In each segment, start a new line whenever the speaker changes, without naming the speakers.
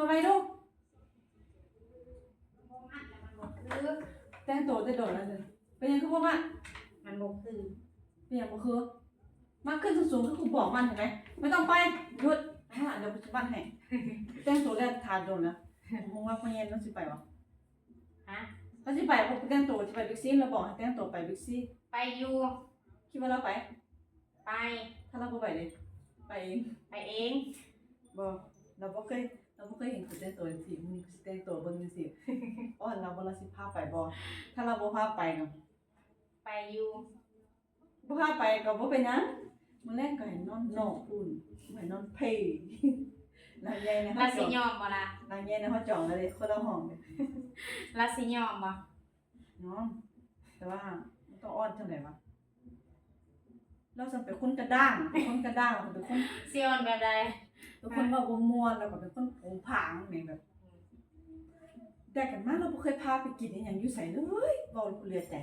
มาไว้ลูก
คือ
แต่งตัวจะโดดแล้วเลยเป็นยังคือว่า
มันบ่คือ
เป็นยังบ่คือมาขึ้นสูงๆคือกูบอกมันเห็นไหมไม่ต้องไปหยุดเดี๋ยวปัจจุบันให้แต่งตัวแล้วทานโดนนะมึงว่าพ่อเย็นต้องสิไปวะ
ฮะ
ต้องสิไปเพราะแต่งตัวจะไปบิ๊กซีเราบอกให้แต่งตัวไปบิ๊กซี
ไปอยู่
คิดว่าเราไป
ไป
ถ้าเราบ่ไปเลยไปเอง
ไปเอง
บ่เราบ่เคยเห็นกูแต่งตัวจังซี่มึงสิแต่งตัวเบิ่งจังซี่อ้อนเราบ่เราสิพาไปบ่ถ้าเราบ่พาไปก็
ไปอยู่
บ่พาไปก็บ่เป็นหยังมื้อแรกก็ให้นอนนอกพุ่นให้นอนเพยนางใหญ่นะ
ลาสิยอมบ่ล่ะ
นางใหญ่นะเฮาจองเลยคนละห้องเลย
ลาสิยอมบ่
เนาะแต่ว่ามันต้องอ้อนจังได๋วะเราจะเป็นคนกระด้างเป็นคน
สิยอมแบบใด
เป็นคนว่าบ่ม่วนแล้วก็เป็นคนโผงผางแม่งแบบแต่กันมาเราบ่เคยพาไปกินอีหยังอยู่ไสเลยเว้าเหลือใจ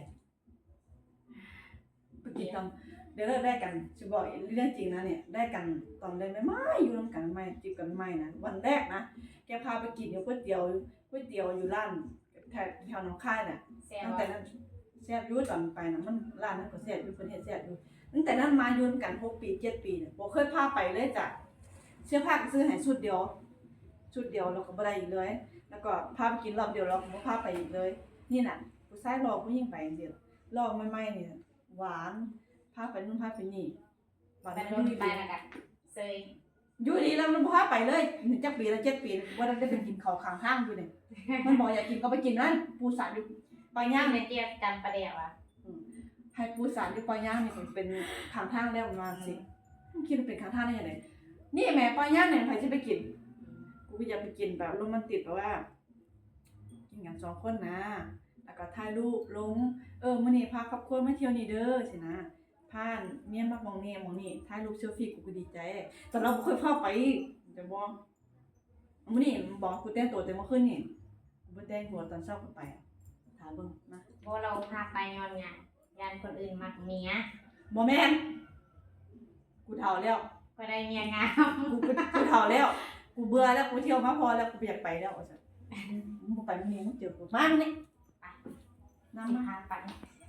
ไปกินตอนเดี๋ยวแรกกันสิบอกเรื่องจริงนะเนี่ยได้กันตอนได้ไม่อยู่นำกันไม่จีบกันไม่นะวันแรกนะแกพาไปกินก๋วยเตี๋ยวอยู่ร้านแถวหนองคายน่ะตั้งแต่นั้นแซ่บอยู่ตอนไปนะมันร้านนั้นก็แซ่บอยู่เพิ่นเฮ็ดแซ่บอยู่ตั้งแต่นั้นมาอยู่กัน6ปี7ปีเนี่ยบ่เคยพาไปเลยจ้ะเสื้อผ้าก็ซื้อให้ชุดเดียวแล้วก็บ่ได้อีกเลยแล้วก็พาไปกินรอบเดียวแล้วก็บ่พาไปอีกเลยนี่น่ะผู้ชายรอผู้หญิงไปจังซี่รอใหม่ๆนี่หวานพาไปนู่นพาไปนี่
บัดนั้นไปแล้วก็เซย
อยู่ดีแล้วมันพาไปเลยจักปีละ7ปีว่าได้ไปกินข้าวข้างทางอยู่นี่มันบอกอยากกินก็ไปกินนั่นปูสานอยู่ปลาย่าง
ในเตียกันประเดี๋ยวอ่ะ
ให้ปูสานอยู่ปลาย่างนี่เป็นข้างทางแล้วมาสิคิดว่าเป็นข้างทางได้ยังไงนี่แม่ปลาย่างเนี่ยใครจะไปกินกูก็อยากไปกินแบบโรแมนติกแบบว่ากินกัน2คนนะแล้วก็ถ่ายรูปลงมื้อนี้พาครอบครัวมาเที่ยวนี่เด้อสินะพาเมียมามองนี่ถ่ายรูปเซลฟี่กูก็ดีใจแต่เราบ่เคยพาไปจะบ่มื้อนี้บอกกูแต่งตัวแต่เมื่อคืนนี่กูบ่แต่งตัวตอนเช้าก็ไปถามเบิ่งนะ
บ่เราพาไปย้อนหยังยันคนอื่นมักเมีย
บ่แม่นกูเฒ่าแล้ว
ก็ได้เมียงาม
กูเฒ่าแล้วกูเบื่อแล้วกูเที่ยวมาพอแล้วกูอยากไปแล้วว่าซั่นมึงบ่ไปมื้อนี้มึงเจอกูมามื้อนี้
ไปนำมาหาไป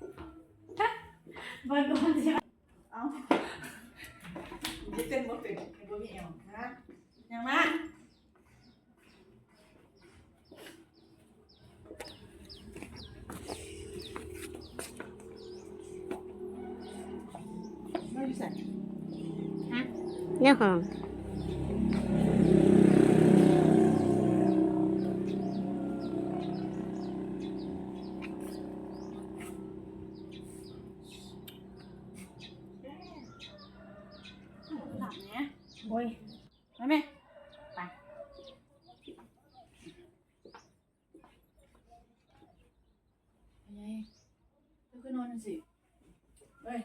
เบิ่งก่อนสิ
เอ้ากูเต้นบ่เป็นบ่มีแอวฮะยังมาไม่ใส่
ฮะเนี่ยของ
โอ้ยมาแม่
ไป
ไงลุกขึ้นนอนสิเฮ้ย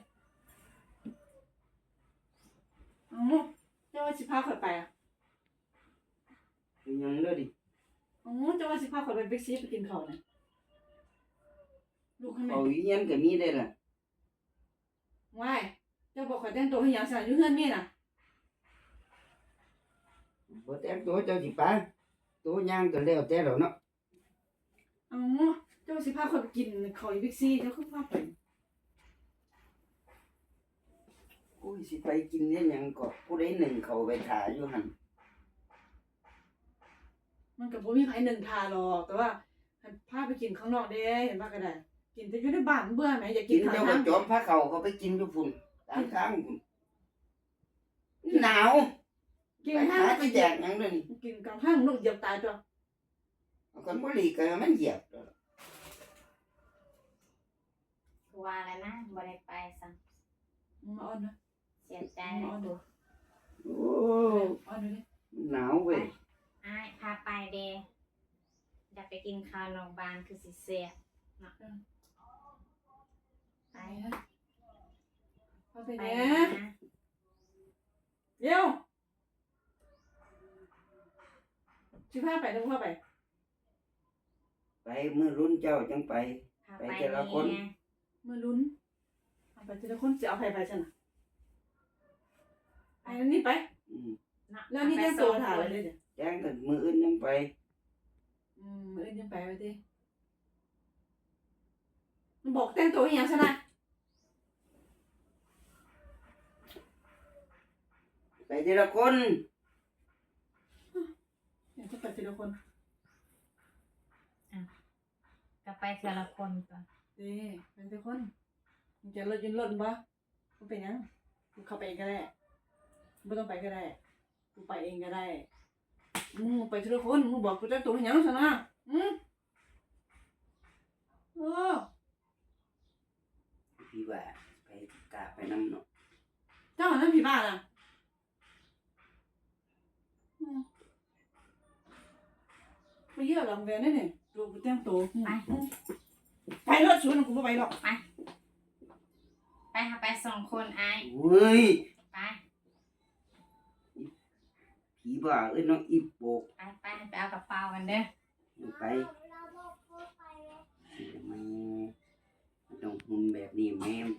เจ้าว่าสิพาข่อยไปอ่ะ
ยังเด้อดิ
เจ้าว่าสิพาข่อยไปบิ๊กซีไปกินข้าวน่ะลูกให้แม่
เขาอีหยังก็มีได้ล่ะ
ว้ายเจ้าบอกข่อยแต่งตัวให้หยังซะอยู่เฮือนนี่น่ะ
บ่แต่งตัวเจ้าสิไปตัวย่างก็แล้วแต่แล้วเนาะ
เจ้าสิพาข่อยไปกินข้าวอยู่บิ๊กซีเจ้าคือพาไป
กูสิไปกินเนี่ยหยังก็ผู้ใดหนึ่งเขาไปถ่ายอยู่หั่น
มันก็บ่มีไผหนึ่งทาหรอกแต่ว่าพาไปกินข้างนอกเด้เห็นบ่ก็ได้กินแต่อยู่ในบ้านเบื่อแหมอยากกินข้าง
เจ้า
ทาง
ก็จอมพาเขาก็ไปกินอยู่พุ่นตามทางพุ่นหนาว
กิน
ไป
ข้า
หาง สิแจกหยังเด้อนี่
กินกลางทางนกเหยียบตายตัว
เอาคนบ่หลีกก็มันเหยียบ
คือว่าแล้วนะบ่ได้ไปซ้ํ
มาอ่อนนะ
เสียใจเลยดู
โอ้
อ่อนเลย
หนาวเว้ย
อ้ายพาไปเด้อยากไปกินข้าวนอกบ้านคือสิแซ่บเนาะไป
พาไปแหน่เดี๋ยวสิพาไปต้องพาไป
ไปมื้อรุ่นเจ้าจังไปไปแต่ละคน
มื้อลุ้นเอาไปทีละคนสิเอาไปซั่นน่ะไปนี่ไปแล้วนี่ได้ตัวถ่ายเลยเนี่ย
แจ้งกันมืออื่นยังไป
มื้ออื่นยังไปไว้ติมันบอกแต่งตัวอีหยังซะนะ
ไปทีละคน
เดี๋ยวจะไปทีละคน
ก็ไปเทื่อละคนก่อน
เด้ไปทีละคนมึงจะรถยืนรถบ่กูเป็นหยังกูเข้าไปเองก็ได้บ่ต้องไปก็ได้กูไปเองก็ได้มึงไปทีละคนมึงบอกกูแต่งตัวอีหยังซะนะโอ้
พี่ว่าไปกะไปน้ำเนาะ
เจ้านั่นผีบ้าน่ะไม่เยอะหรอกแวนนี่นี่ตัวกูแต่งตัวไปรถชวนกูบ่ไปหรอก
ไปหาไป2คนอ้าย
เว้ย
ไป
ผีบ้าเอ้ยน้องอีโปก
ไปเอากระเป๋ากันเด้อ
ไปมันต้องหุ่นแบบนี้แม่